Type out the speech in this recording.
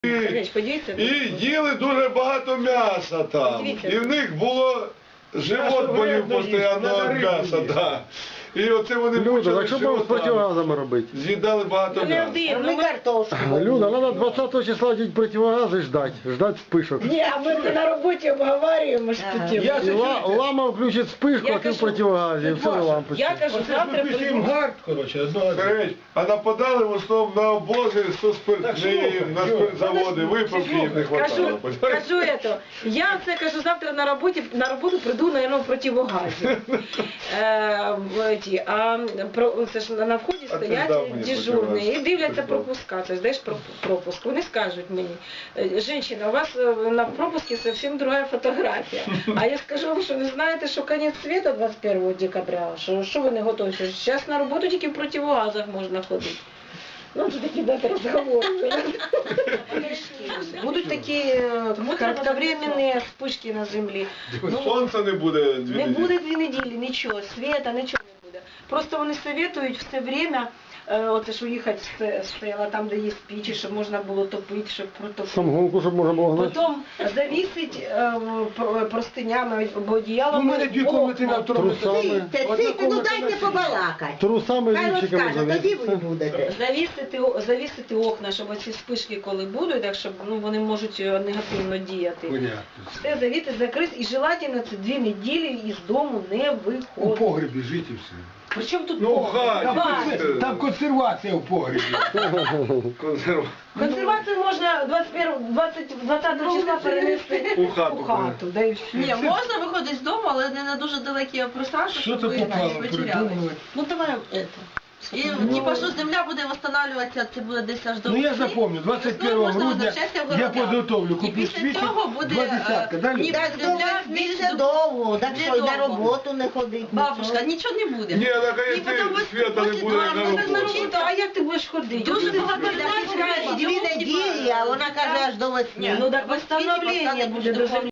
І їли дуже багато м'яса там. І в них було живот болів постійно від м'яса. Да. І оце вони Люда, так що будемо з противогазами робити? З'їдали багато м'яса. Люда, треба 20 числа одеть противогази ждать вспышок. Ні, а ми на роботі обговорюємо ж такі. Лама включить вспышку, а ти в противогазі, і все на лампочку. Я кажу, завтра прийду. А нападали в основному на обози, на спиртзаводи, виправки їм не хватало. Кажу это. Я це кажу, завтра на роботу прийду, наверное, в противогазі. А це ж на вході стоять дежурні і дивляться пропуска. Ти здаєш пропуск. Вони скажуть мені: "Женщина, у вас на пропуске зовсім друга фотографія". А я скажу вам, що не знаєте, що кінець світу 21 декабря, що ви не готові. Зараз на роботу тільки в противогазах можна ходити. Ну, це такі дати розговори. Будуть такі кратковременні вспышки на землі. Сонця не буде 2 неділі. Не буде 2 неділі, нічого, світа, нічого не буде. Просто вони советують все время, от ж уїхати з села, там, де є пічі, щоб можна було топити, щоб протопити. Самогонку, щоб можна було гнати. Потім завісить простинями або одіялами. У мене 2 комнати на второму. Трусами. Ну дайте побалакати. Трусами Хай лівчиками розкаже, тоді ви завісити. будете. Завісити окна, щоб оці спишки, коли будуть, так щоб вони можуть негативно діяти. Все завіти, закрити, і желательно це 2 неділі із дому не У виходить. погребі жити і все. Причому тут Ну, в хаті. Там консервація в погребі. Консервацію можна 20 числа перенести У хату. Да і все. Ні, можна виходити з дому, але не на дуже далекі пространства, Що щоб це ви попало? потеряли. Придумали. Ну давай это. І типа, що земля буде восстанавливатися, це буде десь аж до Ну я весни. запомню, 21 Весною можна грудня возвращатися в я города. підготовлю, І куплю після свічі, цього буде 2 десятка, далі. ніби Так до земля весни більш це довго, так що й на довго. роботу не ходить. Бабушка, нічого не буде. Ні, так а І потім якщо свята не буде як на роботу. А як ти будеш ходити? Дуже багато Так людей чекаєш 2 неділі, а вона каже аж до весни. Ну так восстановлення буде до землі.